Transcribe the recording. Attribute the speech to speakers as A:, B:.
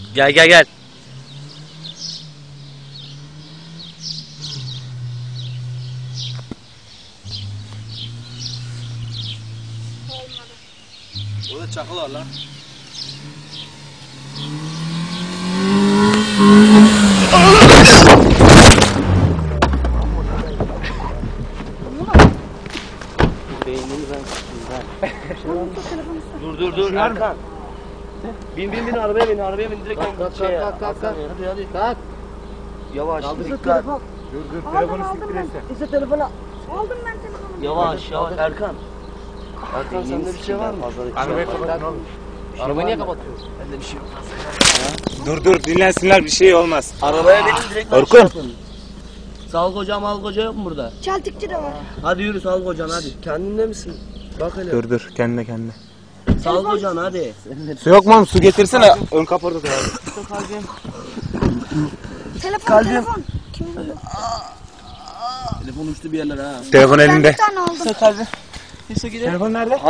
A: Gel gel gel.
B: Orada çakıl var lan.
A: Dur Erkan. Bin arabaya bin direkt
B: Kalk.
A: hadi. Yavaş dikkat.
B: Dur telefonu siktir etse.
C: İşte telefonu aldım ben telefonu.
A: Yavaş Erkan. Erkan sende bir şey var mı?
B: Arabayı kapatın oğlum.
A: Arabayı niye kapatıyorsun? Bende bir şey yok.
B: Dur dinlensinler, bir şey olmaz.
A: Arabaya binin direkt
B: Orkun.
A: yapın. Sağlık hocam hoca yok mu burada?
C: Çaltıkçı da var.
A: Hadi yürü sağlık hocam hadi. Kendinde misin? Bak hele.
B: Dur kendine.
A: Sağlık hocam hadi.
B: Su yok mu? Su getirsene. Ön kaporta da abi.
C: Telefon.
A: Telefon uçtu bir yerlere ha.
B: Telefon
C: Ben
B: elinde.
C: bir tane aldım.
B: Telefon nerede?